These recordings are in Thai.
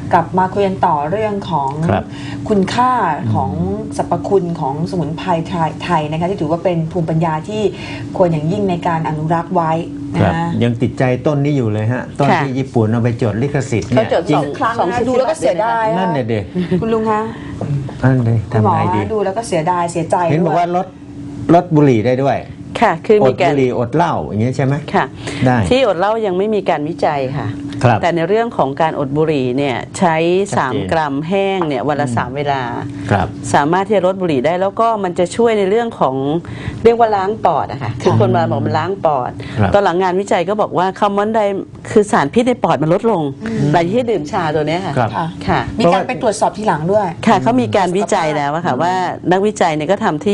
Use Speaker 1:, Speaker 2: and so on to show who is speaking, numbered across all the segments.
Speaker 1: กลับมาคุยกันต่อเรื่องของคุณค่าของสรรพคุณของสมุนไพรไทยนะคะที่ถือว่าเป็นภูมิปัญญาที่ควรอย่างยิ่งในการอนุรักษ์ไว้นะ
Speaker 2: ยังติดใจต้นนี้อยู่เลยฮะต้นที่ญี่ปุ่นเอาไปจดลิขสิทธิ์เนี่ย
Speaker 1: จริงครั้งนะดูแล้วก็เสียดาย
Speaker 2: นั่นเด็ก
Speaker 1: คุณลุงคะ
Speaker 2: นั่นเลยทำไงดี
Speaker 1: ดูแล้วก็เสียดายเสียใจ
Speaker 2: เห็นบอกว่าลดบุหรี่ได้ด้วย
Speaker 3: ค่ะคือมีการ
Speaker 2: อดบุหรี่อดเหล้าอย่างนี้ใช่ไหม
Speaker 3: ค่ะ
Speaker 2: ได้
Speaker 3: ที่อดเหล้ายังไม่มีการวิจัยค่ะแต่ในเรื่องของการอดบุหรี่เนี่ยใช้3 กรัมแห้งเนี่ยวันละ3 เวลาสามารถที่จะลดบุหรี่ได้แล้วก็มันจะช่วยในเรื่องของเรียกว่าล้างปอดอะค่ะคือคนมาบอกมันล้างปอดตอนหลังงานวิจัยก็บอกว่าคาร์บอนไดคือสารพิษในปอดมันลดลงหลังที่ดื่มชาตัวนี้ค่ะ
Speaker 1: ค่ะมีการไปตรวจสอบทีหลังด้วย
Speaker 3: ค่ะเขามีการวิจัยแล้วค่ะว่านักวิจัยเนี่ยก็ทำ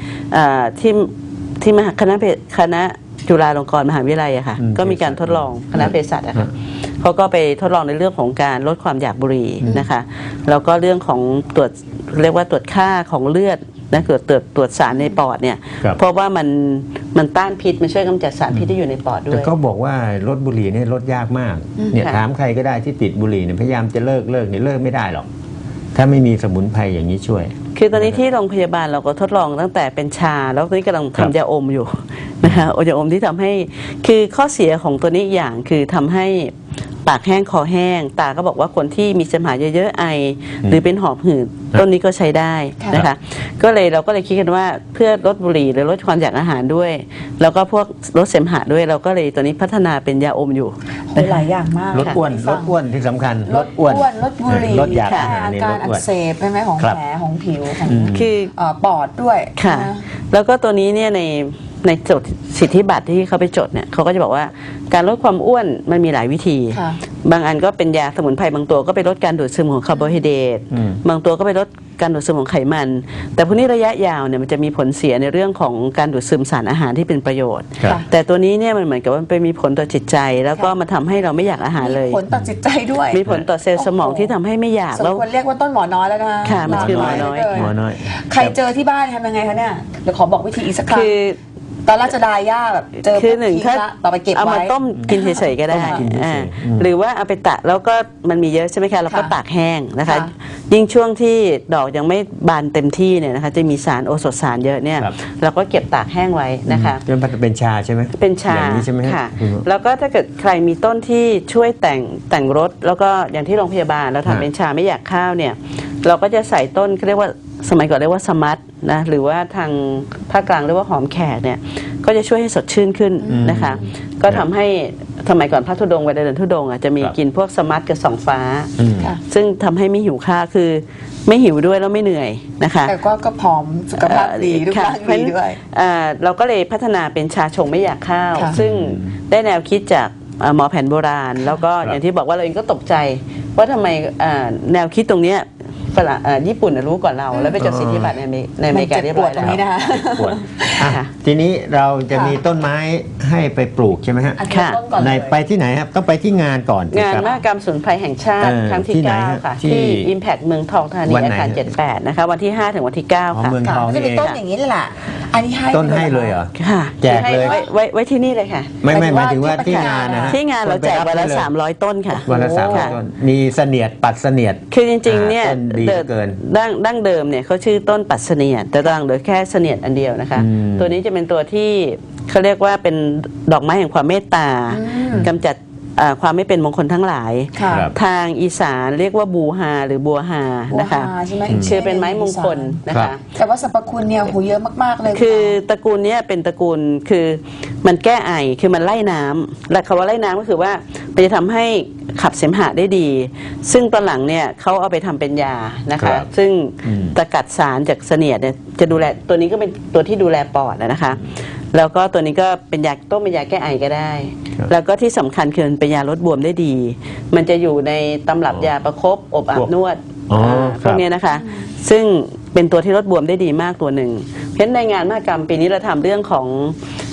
Speaker 3: ที่คณะจุฬาลงกรณ์มหาวิทยาลัยอะค่ะก็มีการทดลองคณะเภสัชอะค่ะเขาก็ไปทดลองในเรื่องของการลดความอยากบุหรี่นะคะแล้วก็เรื่องของตรวจเรียกว่าตรวจค่าของเลือดนะตรวจสารในปอดเนี่ยเพราะว่ามันต้านพิษมันช่วยกำจัดสารพิษที่อยู่ในปอดด้วย
Speaker 2: แต่ก็บอกว่าลดบุหรี่เนี่ยลดยากมากเนี่ยถามใครก็ได้ที่ติดบุหรี่เนี่ยพยายามจะเลิกเนี่ยเลิกไม่ได้หรอกถ้าไม่มีสมุนไพรอย่างนี้ช่วย
Speaker 3: คือตอนนี้ที่โรงพยาบาลเราก็ทดลองตั้งแต่เป็นชาแล้วตอนนี้กำลังทำยาอมอยู่นะคะยาอมที่ทำให้คือข้อเสียของตัวนี้อย่างคือทำให้ปากแห้งคอแห้งตาก็บอกว่าคนที่มีเสมหะเยอะๆไอหรือเป็นหอบหืดต้นนี้ก็ใช้ได้นะคะเราก็เลยคิดกันว่าเพื่อลดบุหรี่หรือลดความอยากอาหารด้วยแล้วก็พวกลดเสมหะด้วยเราก็เลยตัวนี้พัฒนาเป็นยาอมอยู่
Speaker 1: หลายอย่างมาก
Speaker 2: ลดอ้วนที่สำคัญ
Speaker 1: ลดอ้วนลดบุหรี่
Speaker 2: ลดอยากอาหาร
Speaker 1: อาการอักเสบใช่ไหมของแผลของผิวของ
Speaker 3: คือ
Speaker 1: ปอดด้วย
Speaker 3: ค่ะแล้วก็ตัวนี้เนี่ยในจดสิทธิบัตรที่เขาไปจดเนี่ยเขาก็จะบอกว่าการลดความอ้วนมันมีหลายวิธีบางอันก็เป็นยาสมุนไพรบางตัวก็ไปลดการดูดซึมของคาร์โบไฮเดรตบางตัวก็ไปลดการดูดซึมของไขมันแต่พวกนี้ระยะยาวเนี่ยมันจะมีผลเสียในเรื่องของการดูดซึมสารอาหารที่เป็นประโยชน์แต่ตัวนี้เนี่ยมันเหมือนกับว่ามันไปมีผลต่อจิตใจแล้วก็มาทำให้เราไม่อยากอาหารเลย
Speaker 1: มีผลต่อจิตใจด้วย
Speaker 3: มีผลต่อเซลล์สมองที่ทำให้ไม่อยาก
Speaker 1: แล้วควรเรียกว่าต้นหมอน้อยแล้วนะ
Speaker 3: ค่ะมันคือหมอน้อย
Speaker 1: ใครเจอที่บ้านทำยังไงคะเนี่ยเดี๋ยวขอบอกวิธีอีกสักครั้งตอนราชดาย่าแบบเจอ
Speaker 3: คือหนึ่งถ้า
Speaker 1: ต่อไปเก็บไว้
Speaker 3: เอามาต้มกินเฉยๆก็ได้หรือว่าเอาไปตากแล้วก็มันมีเยอะใช่ไหมคะเราก็ตากแห้งนะคะยิ่งช่วงที่ดอกยังไม่บานเต็มที่เนี่ยนะคะจะมีสารโอโซสารเยอะเนี่ยเราก็เก็บตากแห้งไว้นะคะ
Speaker 2: เป็นชาใช่ไหม
Speaker 3: เป็นชา
Speaker 2: อย่างนี้ใช่ไหม
Speaker 3: ค่ะแล้วก็ถ้าเกิดใครมีต้นที่ช่วยแต่งรสแล้วก็อย่างที่โรงพยาบาลเราทำเป็นชาไม่อยากข้าวเนี่ยเราก็จะใส่ต้นเรียกว่าสมัยก่อนเรียกว่าสมัตนะหรือว่าทางภาคกลางเรียกว่าหอมแขกเนี่ยก็จะช่วยให้สดชื่นขึ้นนะคะก็ทำให้สมัยก่อนพระธุดงค์เวลาเดินธุดงค์จะมีกินพวกสมัตกับสองฟ้าซึ่งทำให้ไม่หิวข้าวคือไม่หิวด้วยแล้วไม่เหนื่อยนะคะ
Speaker 1: แต่ก็ผอมสุขภาพดีรูปร่างดีด้วย
Speaker 3: เราก็เลยพัฒนาเป็นชาชงไม่อยากข้าวซึ่งได้แนวคิดจากหมอแผนโบราณแล้วก็อย่างที่บอกว่าเราเองก็ตกใจว่าทำไมแนวคิดตรงนี้ญี่ปุ่นรู้ก่อนเราแล้วไปจดสิทธิบัตรในอเมริกาเรียบร้อยแล้ว
Speaker 2: ทีนี้เราจะมีต้นไม้ให้ไปปลูกใช่ไหมฮะในไปที่ไหนครับต้องไปที่งานก่อน
Speaker 3: งานมหกรรมสมุนไพรแห่งชาติครั้งที่9ค่ะที่ Impact เมืองทองธานีอาคาร78นะคะวันที่5ถึงวันที่9ค่ะ
Speaker 2: เมืองทองนี่เอง
Speaker 1: ต้นอย่างนี้เลยล่ะอันนี้ให้
Speaker 2: ต้นให้เลยเหรอ
Speaker 3: ค่ะ
Speaker 2: แจกเลย
Speaker 3: ไว้ที่นี่เลยค่ะ
Speaker 2: ไม่หมายถึงว่าที่งานนะฮะ
Speaker 3: ที่งานเราแจกวันละ300ต้นค่ะ
Speaker 2: วันละ300ต้นมีเสนียดปัดเสนียด
Speaker 3: คือจริงๆเนี่ยดั้งเดิมเนี่ยเขาชื่อต้นปัดเสนียดแต่ตอนหลังเหลือแค่เสนียดอันเดียวนะคะตัวนี้จะเป็นตัวที่เขาเรียกว่าเป็นดอกไม้แห่งความเมตตากำจัดความไม่เป็นมงคลทั้งหลายทางอีสานเรียกว่าบูฮาหรือบัวฮานะคะชื่อเป็นไม้มงคลนะคะ
Speaker 1: แต่ว่าสรรพคุณเนี่ยโหเยอะมากๆเลย
Speaker 3: คือตระกูลนี้เป็นตระกูลคือมันแก้ไอคือมันไล่น้ำและคำว่าไล่น้ำก็คือว่ามันจะทำให้ขับเสมหะได้ดีซึ่งตอนหลังเนี่ยเขาเอาไปทำเป็นยานะคะซึ่งตะกัดสารจากเสนียดเนี่ยจะดูแลตัวนี้ก็เป็นตัวที่ดูแลปอดนะคะแล้วก็ตัวนี้ก็เป็นยาต้มเป็นยาแก้ไอก็ได้แล้วก็ที่สำคัญคือเป็นยาลดบวมได้ดีมันจะอยู่ในตำรับยาประคบอบอาบนวดพวกนี้นะคะซึ่งเป็นตัวที่ลดบวมได้ดีมากตัวหนึ่งเพราะในงานมหกรรมปีนี้เราทำเรื่องของ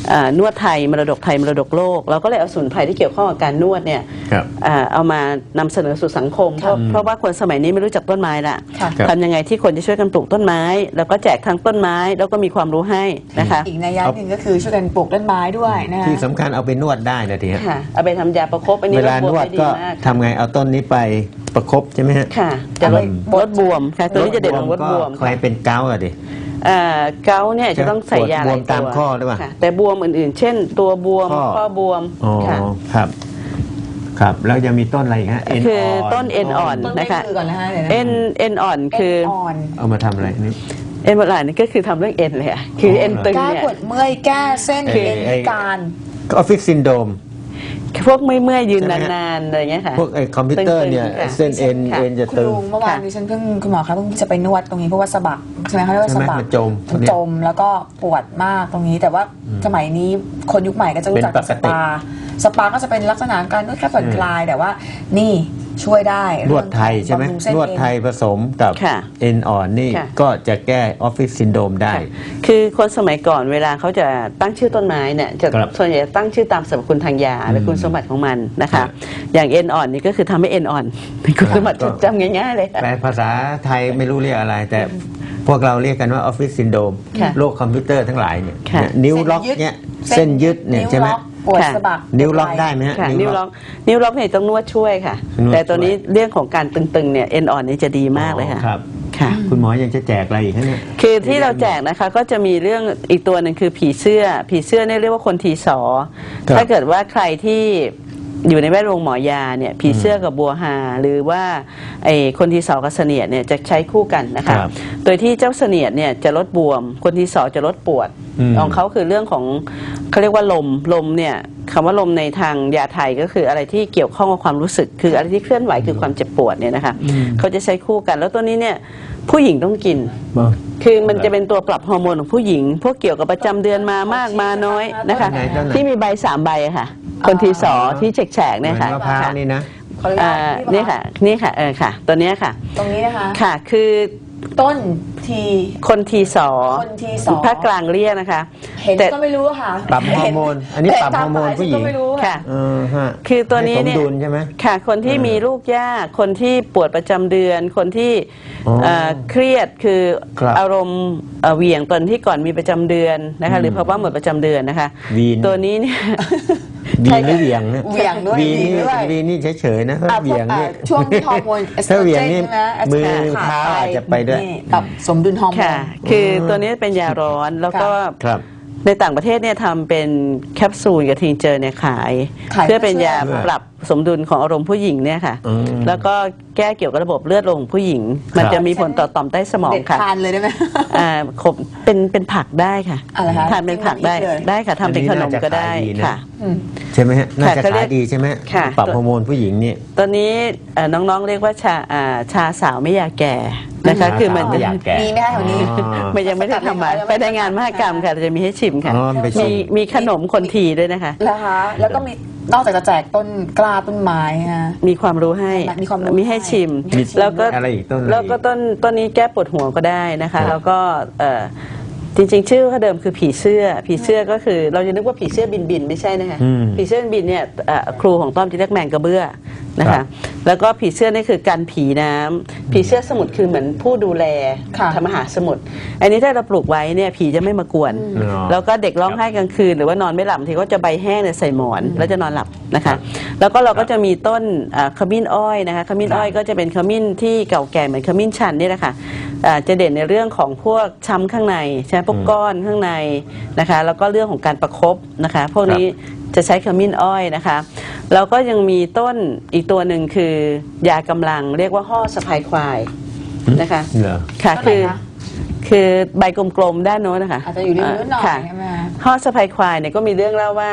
Speaker 3: นวดไทยมรดกไทยมรดกโลกเราก็เลยเอาสมุนไพรที่เกี่ยวข้องกับการนวดเนี่ย
Speaker 2: ครับ
Speaker 3: เอามานำเสนอสู่สังคมเพราะว่าคนสมัยนี้ไม่รู้จักต้นไม้ละ
Speaker 1: ค่ะ
Speaker 2: ครับ
Speaker 3: ทำยังไงที่คนจะช่วยกันปลูกต้นไม้ แล้วก็แจกทั้งต้นไม้แล้วก็มีความรู้ให้นะคะ
Speaker 1: อีกนัยยะหนึ่งก็คือช่วยกันปลูกต้นไม้ด้วยนะคะ
Speaker 2: ที่สำคัญเอาไปนวดได้นะทีฮะ
Speaker 3: ค่ะเอาไปทำยาประคบอันนี้
Speaker 2: เวลา
Speaker 3: ลดบ
Speaker 2: น
Speaker 3: วม
Speaker 2: วด
Speaker 3: ได้ดี
Speaker 2: ก็
Speaker 3: มาก
Speaker 2: ทำไงเอาต้นนี้ไปประคบใช่ไหมฮะ
Speaker 3: ค่ะจะลดบวมค่ะตัวนี้จะเด่นของลดบวม
Speaker 2: ใครเป็นเกาต์อะดิ
Speaker 3: เกาต์เนี่ยจะต้องใส่ยาหลาย
Speaker 2: บวมตาม
Speaker 3: ตัว
Speaker 2: ข้อหรือเปล่า
Speaker 3: ค่ะแต่บวมอื่นๆ เช่นตัวบวม
Speaker 2: ข้อ
Speaker 3: บวม
Speaker 2: อ๋อ
Speaker 3: ค่ะ
Speaker 2: ครับ ครับแล้วยังมีต้นอะไรอีกฮะเอ็น
Speaker 3: คือ
Speaker 2: อ่อน
Speaker 3: ต้นเอ็นอ่อน
Speaker 1: ต้นไม้
Speaker 3: นะคะ
Speaker 1: มือก่อนนะคะเดี๋ยวนะ
Speaker 3: เอ็นอ่อนคือ
Speaker 1: เอ็นอ่อน
Speaker 2: เอามาทำอะไรนี่
Speaker 3: เอ็นอ่อนนี่ก็คือทำเรื่องเอ็นเลยอะคือเอ็นตึง
Speaker 1: แก้
Speaker 3: เนี่ย
Speaker 1: ปวดเมื่อยแก้เส้น
Speaker 2: เอ่อ
Speaker 1: เอ็น
Speaker 2: ไอ้
Speaker 1: พิการ
Speaker 2: ออฟฟิศซินโดรม
Speaker 3: พวกเมื่อยๆยืน
Speaker 2: ใช่ไหมฮะ
Speaker 3: นานๆอะไรเงี้ยค่ะ
Speaker 2: พวกไอ้คอมพิวเตอร์เนี่ย
Speaker 3: ตึงๆค่ะ
Speaker 2: เส้นเอ็น
Speaker 3: ค่ะ
Speaker 2: เอ็นจะ
Speaker 1: คุณ
Speaker 2: ตึง
Speaker 1: ลุงเมื่อวาน
Speaker 3: ค่ะ
Speaker 1: ดิฉันเพิ่งคุณหมอคะเพิ่งจะไปนวดตรงนี้เพราะว่าสะบักใช่ไหมเขาเรียกว่าสะบัก
Speaker 2: ใช่ไหมมันจม
Speaker 1: มันจมแล้วก็ปวดมากตรงนี้ แต่ว่าสมัยนี้คนยุคใหม่ก็จะรู้จัก
Speaker 2: เป็นปกติ
Speaker 1: สปาก็จะเป็นลักษณะการนวดแค่ผ่อนคลายแต่ว่านี่ช่วยได้
Speaker 2: นวดไทยใช่ไหม
Speaker 1: บำรุงเส้
Speaker 2: นวดไทยผสมกับ
Speaker 3: ค่ะ
Speaker 2: เอ็นอ่อนนี่
Speaker 3: ค่ะ
Speaker 2: ก็จะแก้ออฟฟิศซินโดรมได้
Speaker 3: ค่ะคือคนสมัยก่อนเวลาเขาจะตั้งชื่อต้นไม้เนี่ยจะ
Speaker 2: ครับ
Speaker 3: ส่วนใหญ่จะตั้งชื่อตามสรรพคุณทางยาหรือคุณสมบัติของมันนะ
Speaker 2: ครั
Speaker 3: คะ
Speaker 2: บ
Speaker 3: อย่างเอ็นอ่อนนี่ก็คือทำให้เอ็นอ่อนเป็นคุณสมบัติ
Speaker 2: ก็
Speaker 3: จำง่ายๆเลยค่ะ
Speaker 2: แปลภาษาไทยไม่รู้เรียกอะไร แต่พวกเราเรียกกันว่าออฟฟิศซินโดรม
Speaker 3: ค่ะ
Speaker 2: โรคคอมพิวเตอร์ทั้งหลายเนี่ย
Speaker 3: ค่ะ
Speaker 2: นิ้วล็อกเนี่ยเส้นยึดเนี่ยใช่ไหม
Speaker 1: วล็อกปวด
Speaker 3: ค่ะ
Speaker 1: สะบัก
Speaker 2: นิ้วล็อกได้ไหมฮะ
Speaker 3: ค่ะนิ้วล็อกเนี่ยต้องนวดช่วยค่ะ
Speaker 2: นวด
Speaker 3: แต่ตัวนี้
Speaker 2: ช่วย
Speaker 3: เรื่องของการตึงๆเนี่ยเอ็นอ่อนนี่จะดีมากเลยค่ะ
Speaker 2: ครับ
Speaker 3: ค่ะ
Speaker 2: คุณหมอยังจะแจกอะไรอีกฮะเนี่ย
Speaker 3: คือที่เราแจกนะคะก็จะมีเรื่องอีกตัวหนึ่งคือผีเสื้อเนี่ยเรียกว่าคนทีสอ
Speaker 2: ครับ
Speaker 3: ถ้าเกิดว่าใครที่อยู่ในแวดวงหมอยาเนี่ยผีเสื้อกับบัวฮาหรือว่าไอ้คนทีสอกับเสนียดเนี่ยจะใช้คู่กันนะคะ
Speaker 2: ครับ
Speaker 3: โดยที่เจ้าเสนียดเนี่ยจะลดบวม คนทีสอจะลดปวด ของเขาคือเรื่องของเขาเรียกว่าลมเนี่ยคำว่าลมในทางยาไทยก็คืออะไรที่เกี่ยวข้องกับความรู้สึก คืออะไรที่เคลื่อนไหวคือความเจ็บปวดเนี่ยนะคะเขาจะใช้คู่กันแล้วตัวนี้เนี่ยผู้หญิงต้องกิน คือมันจะเป็นตัวปรับฮอร์โมนของผู้หญิง พวกเกี่ยวกับประจำเดือนมามากมาน้อยนะคะ
Speaker 2: ไหนต้นไหน
Speaker 3: ที่มีใบ3 ใบอะค่ะ คนทีสอที่แฉกๆเนี่ยค่ะ
Speaker 2: เหมือนมะพร้าวนี่นะ
Speaker 1: ขออนุญาต
Speaker 3: นี่ค่ะนี่ค่ะค่ะ ตัวเนี้ยค่ะ
Speaker 1: ตรงนี้นะคะ
Speaker 3: ค่ะคือ
Speaker 1: ต้นที
Speaker 3: คนทีสอ
Speaker 1: คนทีสอ
Speaker 3: ภาคกลางเรียกนะคะ
Speaker 1: เห็น
Speaker 3: แต่
Speaker 1: ก็ไม่รู้อะค่ะ
Speaker 2: ปรับฮอร์โมนอันนี้ปรับฮอร์โมนผู้หญิง
Speaker 1: แต่ตาปลายฉันก็ไม่รู้
Speaker 3: ค่ะ
Speaker 2: ฮะ
Speaker 3: คือตัวนี้เนี่ย
Speaker 2: ให้สมดุลใช่ไหม
Speaker 3: ค่ะ คนที่มีลูกยาก คนที่ปวดประจำเดือน คนที่
Speaker 2: อ๋อ
Speaker 3: เครียดคือ
Speaker 2: ครับ
Speaker 3: อารมณ์เหวี่ยงตอนที่ก่อนมีประจำเดือนนะคะ หรือภาวะหมดประจำเดือนนะคะ
Speaker 2: วีน
Speaker 3: ตัวนี้เนี่ย
Speaker 2: วีนหรือเหวี่ยงเนี่ย
Speaker 1: เหวี่ยงด้วย
Speaker 2: วีนนี่
Speaker 1: ด้วย
Speaker 2: วีนนี่เฉยๆนะถ้า
Speaker 1: อ่ะ
Speaker 2: เหวี่ยงนี่
Speaker 1: ช่วงที่ฮอร์โมนเอสโต
Speaker 2: ถ้าร เหวี่
Speaker 1: เจ
Speaker 2: ยง
Speaker 1: น
Speaker 2: นี่
Speaker 1: ใช่ไหม
Speaker 2: มือ
Speaker 1: ขาด
Speaker 2: เท้า
Speaker 1: ไป
Speaker 2: อาจจะไปด้วย
Speaker 1: นี่ปรับสมดุลฮอร์โมน
Speaker 3: ค่ะ คือตัวนี้เป็นยาร้อนแล้วก็
Speaker 2: ครับ
Speaker 3: ในต่างประเทศเนี่ยทำเป็นแคปซูลกับทิงเจอร์เนี่ยขาย
Speaker 1: ขาย
Speaker 3: เพื่อเป็นยา
Speaker 2: เพื่อ
Speaker 3: ปรับสมดุลของอารมณ์ผู้หญิงเนี่ยค่ะ
Speaker 2: อืม
Speaker 3: แล้วก็แก้เกี่ยวกับระบบเลือดลมของผู้หญิง มัน
Speaker 2: ครับ
Speaker 3: จะมีผลต่อต่อมใต้สมอง
Speaker 1: เด็ด
Speaker 3: ค่ะ
Speaker 1: ทานเลยได้ไหม
Speaker 3: ขบเป็นผักได้ค่ะ
Speaker 1: อะไรคะ
Speaker 3: ทานเป็นผักได้
Speaker 1: กินเป็นพริกเลย
Speaker 3: ได้ค่ะทำเป็นขนมก็ได้
Speaker 2: อันนี้น่าจะขายดีนะ
Speaker 3: ค่ะ
Speaker 1: อืม
Speaker 2: ใช่ไหมฮะน่าจะ
Speaker 3: เขาเรี
Speaker 2: ขาย
Speaker 3: ก
Speaker 2: ดีใช่ไหม
Speaker 3: ค่ะ
Speaker 2: ปรับฮอร์โมนผู้หญิงนี่
Speaker 3: ตอนนี้น้องๆเรียกว่าชาสาวไม่อยากแก่นะคะ
Speaker 2: ชา
Speaker 3: คือมัน
Speaker 2: สาวไม่อยากแก่
Speaker 1: มีไหมคะแถวนี้
Speaker 3: มันยังไม่ได้ทำมาไปในงานมหกรรมค่ะจะมีให้ชิมค่ะ
Speaker 2: อ๋อไปชิม
Speaker 3: มีขนมคนทีด้วยนะคะ
Speaker 1: นะคะ แล้วก็มีนอกจากจะแจกต้นกล้าต้นไม้ฮะ
Speaker 3: มีความรู้ให้
Speaker 1: มีความรู้
Speaker 3: มีให้ชิม
Speaker 1: ให้ชิม
Speaker 3: แล้วก็
Speaker 2: อะไรอีกต้นอะไรอีก
Speaker 3: แล้วก็ต้นนี้แก้ปวดหัวก็ได้นะ
Speaker 2: ครั
Speaker 3: คะ
Speaker 2: บ
Speaker 3: แล้วก็จริงๆ ชื่อเขาเดิมคือผีเสื้อก็คือเราจะนึกว่าผีเสื้อบินไม่ใช่นะคะ
Speaker 2: อืม
Speaker 3: ผีเสื้อบินเนี่ยครูของต้อมจะเรียกแมงกระเบื้อนะ
Speaker 2: ครั
Speaker 3: คะ
Speaker 2: บ
Speaker 3: แล้วก็ผีเสื้อนี่คือกันผีน้ำผีเสื้อสมุทรคือเหมือนผู้ดูแล
Speaker 1: ค่ะ
Speaker 3: ธรรมหาสมุทรอันนี้ถ้าเราปลูกไว้เนี่ยผีจะไม่มากวน
Speaker 2: อ๋อ
Speaker 3: แล้วก็เด็กร้องไห้กลางคืนหรือว่านอนไม่หลับบางทีก็จะใบแห้งเนี่ยใส่หมอนแล้วจะนอนหลับนะคะ แล้วก็เราก็จะมีต้นขมิ้นอ้อยนะคะขมิ้นอ้อยก็จะเป็นขมิ้นที่เก่าแก่เหมือนขมิ้นชันนี่แหละค่ะจะเด่นในเรื่องของพวกช้ำข้างในใช่ไหมพวกก้อนข้างในนะคะแล้วก็เรื่องของการประคบนะคะพวกนี้จะใช้ขมิ้นอ้อยนะคะแล้วก็ยังมีต้นอีกตัวหนึ่งคือยากำลังเรียกว่าห่อสะพายควายนะคะ
Speaker 2: เหรอ
Speaker 3: ค่ะ
Speaker 1: ต้นไหนคะ
Speaker 3: คือใบกลมๆด้านโน้นนะคะ
Speaker 1: อาจจะอยู่ในมือหน่อย
Speaker 3: ค่ะ
Speaker 1: ใช่ไหมคะ
Speaker 3: ห่อสะพายควายเนี่ยก็มีเรื่องเล่าว่า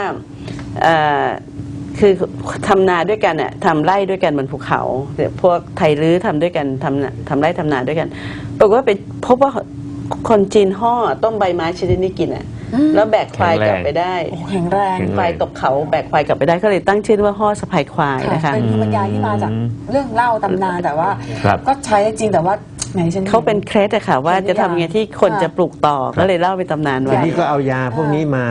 Speaker 3: คือทำนาด้วยกันทำไร่ด้วยกันบนภูเขาพวกไทยลื้อทำด้วยกันทำไร่ทำนาด้วยกันปรากฏว่าไปพบว่าคนจีนห่อต้มใบไม้ชนิดนี้กินแล้วแบกควายกลับไปได้
Speaker 1: โอ้แข็งแรง
Speaker 3: ควายตกเขาแบกควายกลับไปได้ก็เลยตั้งชื่อว่าห่อสะพายควาย
Speaker 1: ค่ะ
Speaker 3: นะคะ
Speaker 1: เป็นภูมิปัญญาที่มาจากเรื่องเล่าตำนานแต่ว่า
Speaker 2: ครับ
Speaker 1: ก็ใช้ได้จริงแต่ว่าไหนฉัน
Speaker 3: เขาเป็นเคล็ดอะค่ะว่าจะทำไงที่คนจะปลูกต่อก็เลยเล่าเป็นตำนาน
Speaker 2: ที
Speaker 3: ไว้
Speaker 2: นี้ก็เอายาพวกนี้มา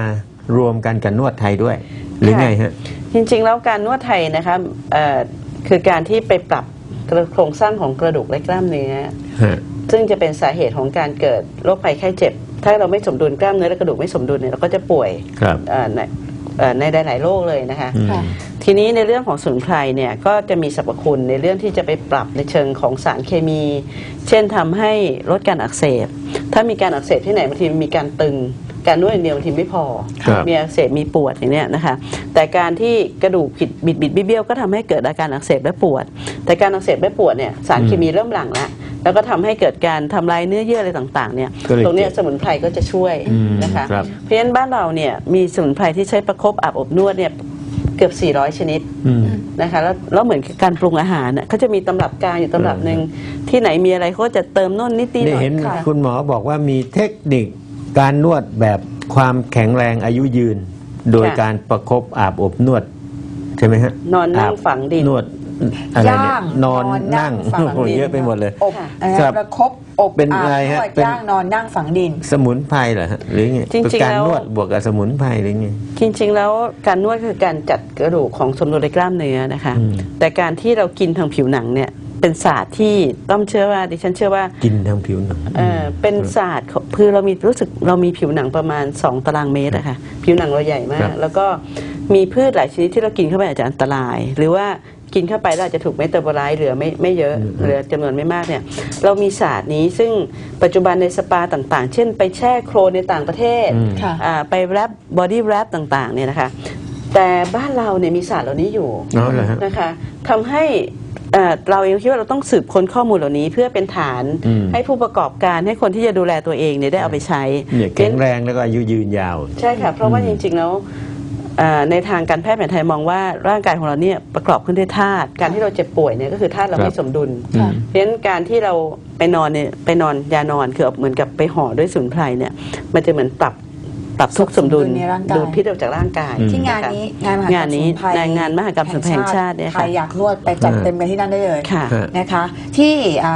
Speaker 2: รวมกันกับนวดไทยด้วย หรือไงฮะ
Speaker 3: จริงๆแล้วการนวดไทยนะคะคือการที่ไปปรับโครงสร้างของกระดูกและกล้ามเนื้อ
Speaker 2: ฮะ
Speaker 3: ซึ่งจะเป็นสาเหตุของการเกิดโรคภัยไข้เจ็บ ถ้าเราไม่สมดุลกล้ามเนื้อและกระดูกไม่สมดุลเนี่ยเราก็จะป่วย
Speaker 2: ครับ
Speaker 3: ในหลายๆโรคเลยนะคะ
Speaker 2: อืม
Speaker 1: ค่ะ
Speaker 3: ทีนี้ในเรื่องของสมุนไพรเนี่ยก็จะมีสรรพคุณในเรื่องที่จะไปปรับในเชิงของสารเคมี เช่นทำให้ลดการอักเสบ ถ้ามีการอักเสบที่ไหนบางทีมีการตึง การนวดอย่างเดียวบางทีไม่พอ
Speaker 2: ครับ
Speaker 3: มีอักเสบมีปวดอย่างเนี้ยนะคะแต่การที่กระดูกผิดบิดเบี้ยวก็ทำให้เกิดอาการอักเสบและปวด แต่การอักเสบและปวดเนี่ยสารเคมีเริ่มหลั่งแล้วก็ทำให้เกิดการทำลายเนื้อเยื่ออะไรต่างๆเนี่ย
Speaker 2: ก็เลย
Speaker 3: ตรงเนี้ยสมุนไพรก็จะช่วยนะคะ
Speaker 2: ครับ
Speaker 3: เพราะฉะนั้นบ้านเราเนี่ยมีสมุนไพรที่ใช้ประคบอาบอบนวดเนี่ยเกือบ 400 ชนิด
Speaker 2: อืม
Speaker 3: นะคะแล้วเหมือนกับการปรุงอาหารน่ะเขาจะมีตำรับการอยู่ตำรับหนึ่งที่ไหนมีอะไรเขาก็จะเติมโน่นนิดๆห
Speaker 2: นี่
Speaker 3: น่อย
Speaker 2: เห็น
Speaker 3: ค่ะ
Speaker 2: คุณหมอบอกว่ามีเทคนิคการนวดแบบความแข็งแรงอายุยืน โดยการประคบอาบอบนวด ใช่ไหมฮะ
Speaker 3: นอนนั่ง
Speaker 2: อาบ
Speaker 3: ฝังดิน
Speaker 2: นวดอะไรเนี่ย
Speaker 1: ย่าง
Speaker 2: นอนนั่ง
Speaker 1: ฝัง
Speaker 2: โอ้โห
Speaker 1: ดิน
Speaker 2: เยอะไปหมดเลย
Speaker 1: อบ
Speaker 2: ครับ
Speaker 1: ประคบอบ
Speaker 2: เป็น
Speaker 1: อาบ
Speaker 2: อะไรฮะ
Speaker 1: นวด
Speaker 2: เป็น
Speaker 1: ย่างนอนนั่งฝังดิน
Speaker 2: สมุนไพรเหรอฮะหรือไง
Speaker 3: จริงๆ
Speaker 2: เป็นการ
Speaker 3: แล้ว
Speaker 2: นวดบวกกับสมุนไพรหรือไง
Speaker 3: จริงๆแล้วการนวดคือการจัดกระดูกของสมดุลในกล้ามเนื้อนะคะ
Speaker 2: อืม
Speaker 3: แต่การที่เรากินทางผิวหนังเนี่ยเป็นศาสตร์ที่ต้องเชื่อว่าดิฉันเชื่อว่า
Speaker 2: กินทางผิวหนัง
Speaker 3: เป็นศาสตร์ของคือเรามีรู้สึกเรามีผิวหนังประมาณ 2 ตารางเมตรอะค่ะผิวหนังเราใหญ่มา
Speaker 2: ครั
Speaker 3: ก
Speaker 2: บ
Speaker 3: แล้วก็มีพืชหลายชนิดที่เรากินเข้าไปอาจจะอันตราย หรือว่ากินเข้าไปแล้วอาจจะถูกเมตาบอไลซ์เหลือไม่เยอะเหลือจำนวนไม่มากเนี่ยเรามีศาสตร์นี้ซึ่งปัจจุบันในสปาต่างๆ เช่นไปแช่โคลนในต่างประเทศ
Speaker 2: อืม
Speaker 1: ค่ะ
Speaker 3: ไปแรปบอดี้แรปต่างๆเนี่ยนะคะแต่บ้านเราเนี่ยมีศาสตร์เหล่านี้อยู่
Speaker 2: อ๋อเหรอฮะ
Speaker 3: นะคะทำให้เราเองคิดว่าเราต้องสืบค้นข้อมูลเหล่านี้เพื่อเป็นฐาน
Speaker 2: อืม
Speaker 3: ให้ผู้ประกอบการให้คนที่จะดูแลตัวเองเนี่ยได้เอาไปใช้
Speaker 2: เนี่ยแข็งแรงแล้วก็อายุยืนยาว
Speaker 3: ใช่ค่ะเพราะว่าจริงๆแล้วในทางการแพทย์แผนไทยมองว่าร่างกายของเราเนี่ยประกอบขึ้นด้วยธาตุการที่เราเจ็บป่วยเนี่ยก็คือธาตุเรา
Speaker 2: ครับ
Speaker 3: ไม่สมดุล
Speaker 2: อืม
Speaker 3: เพราะฉะนั้นการที่เราไปนอนเนี่ยไปนอนยานอนคือเหมือนกับไปห่อด้วยสมุนไพรเนี่ยมันจะเหมือนปรับทุกสมดุล
Speaker 1: ในร่างกาย
Speaker 3: ดูดพิษออกจากร่างกาย
Speaker 2: อืม
Speaker 1: ที่งานนี้งานมหกรรม
Speaker 3: งานนี้
Speaker 1: สมุนไพร
Speaker 3: งานมหกรรมสมุนไพรแห่งชาติเนี่ย
Speaker 1: ใคร
Speaker 3: ค่ะ
Speaker 1: อยากนวดไปจัดเต็มกันที่นั่นได้เลย
Speaker 3: ค่ะ
Speaker 1: นะคะ ที่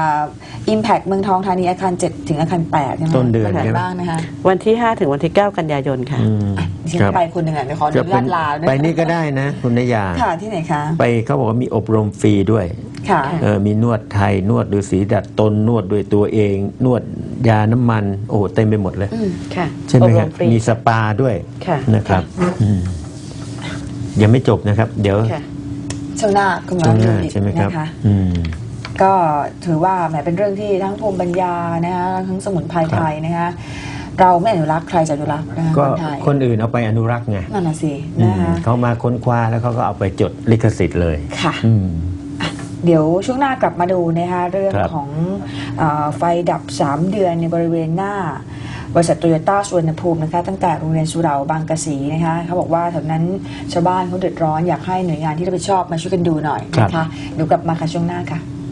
Speaker 1: Impact เมืองทองธานีอาคาร 7 ถึงอาคาร 8 ใช่ไหม
Speaker 2: ต้นเดือน
Speaker 1: วัไหน
Speaker 2: ใช่ไหม
Speaker 1: บ้างนะคะ
Speaker 3: วันที่ 5 ถึงวันที่ 9 กันยายนค่ะ
Speaker 2: อืม
Speaker 1: ดิฉัน
Speaker 2: ครับ
Speaker 1: ไปคนหนึ่งอ่ะเดี๋ยวขออ
Speaker 2: จะ
Speaker 1: นุ
Speaker 2: เป็
Speaker 1: ญาน ตลาด้วย
Speaker 2: ไปนี่ก็ได้นะคุณนยา
Speaker 1: ค่ะที่ไหนคะ
Speaker 2: ไปเขาบอกว่ามีอบรมฟรีด้วย
Speaker 1: ค่ะ
Speaker 2: มีนวดไทยนวดฤาษีดัดตนนวดด้วยตัวเอง นวดยาน้ำมัน โอ้โหเต็มไปหมดเลย
Speaker 3: ค่ะ
Speaker 2: ใช่ไหม
Speaker 3: อบ
Speaker 2: ค
Speaker 3: ร
Speaker 2: รับ
Speaker 3: ฟรี
Speaker 2: มีสปาด้วย
Speaker 3: ค่ะ
Speaker 2: นะครับอืมยังไม่จบนะครับ เดี๋ยว
Speaker 3: ค่ะ
Speaker 1: ช่วงหน้าคุณหมอ
Speaker 2: ช่วงหน้า
Speaker 1: ดูดิ
Speaker 2: ใช่ไหมครับ
Speaker 1: นะคะ
Speaker 2: อืม
Speaker 1: ก็ถือว่าแหมเป็นเรื่องที่ทั้งภูมิปัญญานะคะทั้งสมุนไพรไทยนะคะเราไม่อนุรักษ์ใครจะอนุรักษ์นะคะ
Speaker 2: ก็
Speaker 1: คนไทย
Speaker 2: คนอื่นเอาไปอนุรักษ์ไง
Speaker 1: นั่นน่ะสิ
Speaker 2: อื
Speaker 1: นะ
Speaker 2: ม
Speaker 1: คะ
Speaker 2: เขามาค้นคว้าแล้วเขาก็เอาไปจดลิขสิทธิ์เลย
Speaker 1: ค่ะ
Speaker 2: อืม
Speaker 1: เดี๋ยวช่วงหน้ากลับมาดูนะคะเรื่อง
Speaker 2: ครับ
Speaker 1: ของไฟดับ 3 เดือนในบริเวณหน้าบริษัทโตโยต้าสุวรรณภูมินะคะตั้งแต่โรงเรียนสุเหร่าบางกะสีนะคะเขาบอกว่าแถวนั้นชาวบ้านเขาเดือดร้อนอยากให้หน่วยงานที่รับผิดชอบมาช่วยกันดูหน่อยนะคะเดี๋ยวกลับมาค่ะช่วงหน้าค่ะ